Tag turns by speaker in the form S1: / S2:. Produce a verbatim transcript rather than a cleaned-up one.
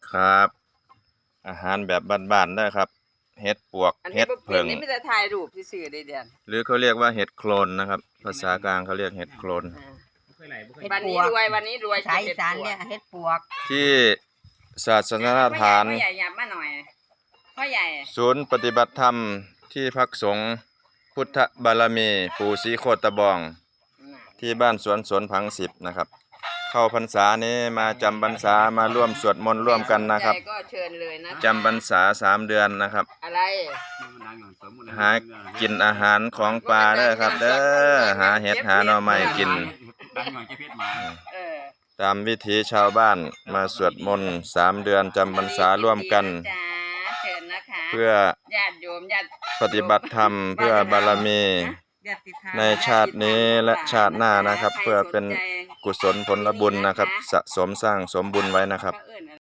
S1: ครับอาหารแบบบ้านๆได้ครับเห็ดปวกเห็ดเผิง
S2: นี่ไม่ได้ถ่ายรูปซื่อๆเด้เดือน
S1: หรือเขาเรียกว่าเห็ดโคลนนะครับภาษากลางเขาเรียกเห็ดโคลน
S2: วันนี้รวยวันนี้รวย
S3: สายอีสานเนี่ยเฮ็ดปวก
S1: ที่ศาสนสถาน
S2: พ่อใหญ่ยับมาหน่อยพ่อใหญ่
S1: ศูนย์ปฏิบัติธรรมที่พักสงฆ์พุทธบารมีปู่ศรีโคตบองที่บ้านสวนสวนผังสิบนะครับเข้าพรรษานี้มาจำพรรษามาร่วมสวดมนต์ร่วมกันนะครับ
S2: ก็เชิญเลยนะ
S1: จำพรรษาสามเดือนนะครับ
S2: อะไร
S1: หากินอาหารของปลาเด้อครับเด้อหาเห็ดหาหน่อไม้กินตามวิถีชาวบ้านมาสวดมนต์สามเดือนจำพรรษาร่วมกันเพื่อปฏิบัติธรรมเพื่อบารมีในชาตินี้และชาติหน้านะครับเพื่อเป็นกุศลผลบุญนะครับสะสมสร้างสมบุญไว้นะครับ